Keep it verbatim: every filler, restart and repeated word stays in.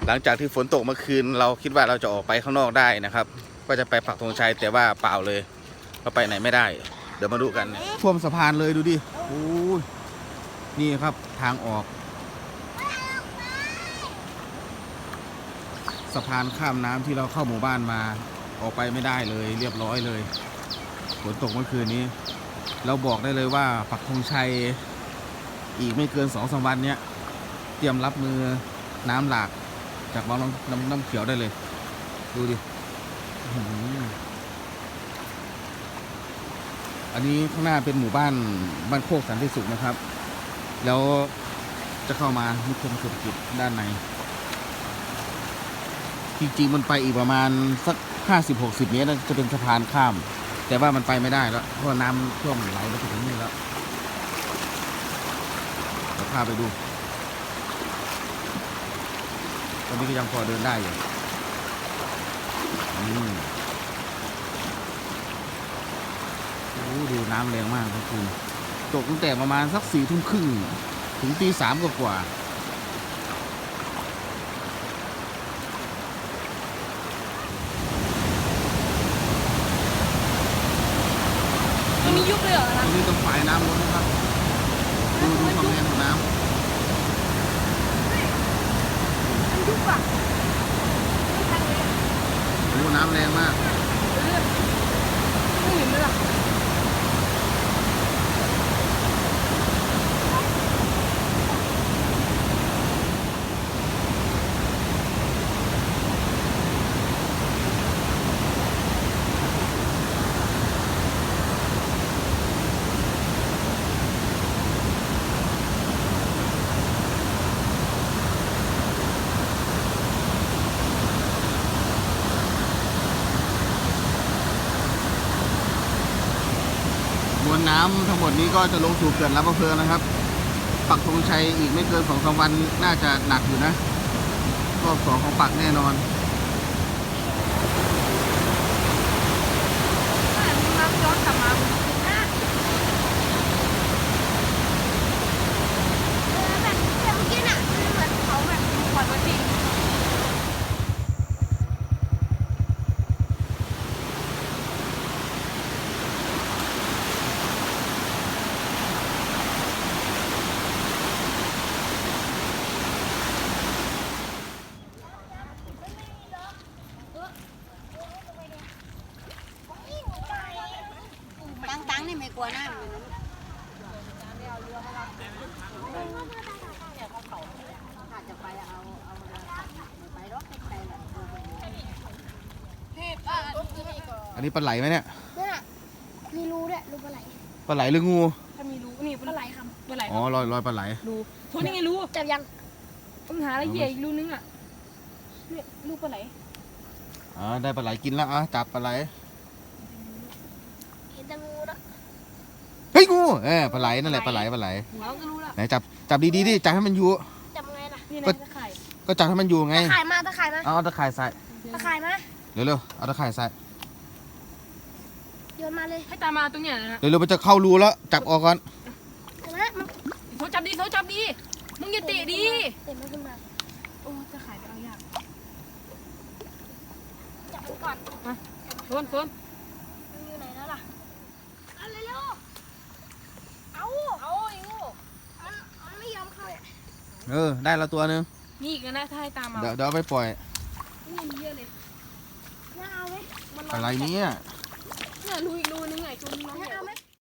หลังจากที่ฝนตกเมื่อคืนเราคิดว่าเราจะออกไปข้างนอกได้นะครับก็จะไปปักธงชัยแต่ว่าเปล่าเลยเราไปไหนไม่ได้เดี๋ยวมาดูกันท่วมสะพานเลยดูดิโอ้ยนี่ครับทางออกสะพานข้ามน้ำที่เราเข้าหมู่บ้านมาออกไปไม่ได้เลยเรียบร้อยเลยฝนตกเมื่อคืนนี้เราบอกได้เลยว่าปักธงชัยอีกไม่เกินสองสามวันเนี้ยเตรียมรับมือน้ำหลากจากวังน้ำน้ำเขียวได้เลยดูดิอันนี้ข้างหน้าเป็นหมู่บ้านบ้านโคกสันติสุขนะครับแล้วจะเข้ามานิคมเศรษฐกิจด้านในจริงๆมันไปอีกประมาณสักห้าสิบหกสิบเมตรจะเป็นสะพานข้ามแต่ว่ามันไปไม่ได้แล้วเพราะน้ำท่วมไหลมาถึงนี่แล้วเราพาไปดูตอนนี้ก็ยังพอเดินได้อยู่โอ้ดูน้ำแรงมากครับคุณตกตั้งแต่ประมาณสักสี่ทุ่มครึ่งถึงตีสามกว่ามียุบเลยเหรอตรงนี้ต้องฝ่ายน้ำล้นนะครับดูดูความแรงของน้ำมันยุบอ่ะโอ้น้ำแรงมากไม่เห็นเลยอ่ะมวลน้ำทั้งหมดนี้ก็จะลงสู่เขื่อนลำพะเพลินนะครับปักธงชัยอีกไม่เกินสองสามวันน่าจะหนักอยู่นะรอบสองของปักแน่นอนน้ำย้อนกลับมาแบบเมื่อกี้น่ะเหมือนเขาแบบปล่อยมาทิ้งตั้งๆนี่ไม่กลัวน้ำเลยนะถ้าจะไปเอาเอาไปรถไปแหละอันนี้ปลาไหลไหมเนี่ยเนี่ยมีรูด้วยรูปลาไหลปลาไหลหรืองูถ้ามีรู้นี่ปลาไหลครับปลาไหลอ๋อลอยลอยปลาไหลรู้โทษนี่ไงรู้จับยังต้องหาอะไรเหยื่ออีกรูนึงอ่ะเนี่ยรูปลาไหลอ๋อได้ปลาไหลกินแล้วอ่ะจับปลาไหลเห็นแต่งูแล้วเฮ้ยงูเออปลาไหลนั่นแหละปลาไหลปลาไหลหัวก็รู้ละไหนจับจับดีๆดิจับให้มันอยู่จับไงล่ะนี่นะตะไคร่ก็จับให้มันอยู่ไงตะข่ายมาตะข่ายมาเอาตะข่ายใส่ตะข่ายมาเร็วๆเอาตะข่ายใส่โยนมาเลยให้ตามมาตรงเนี้ยนะเร็วๆมันจะเข้ารูแล้วจับออกก่อนนะมันโถจับดีโถจับดีมึงอย่าเตะดีเตะมันขึ้นมาโอ้ตะไคร่ไปเอายากจับมันก่อนมาโซนโซนมันอยู่ไหนแล้วล่ะเอาเร็วๆเอาเอาอีงูมันมันไม่ยอมเข้าเนี่ยเออได้แล้วตัวนึงนี่อีกนะถ้าให้ตามมาเดี๋ยวเดี๋ยวไปปล่อยนี่มีเยอะเลยน่าเอาไหมอะไรเนี่ยเนี่ยรูอีกรูนึงไงตัวนึงน้องน่าเอาไหม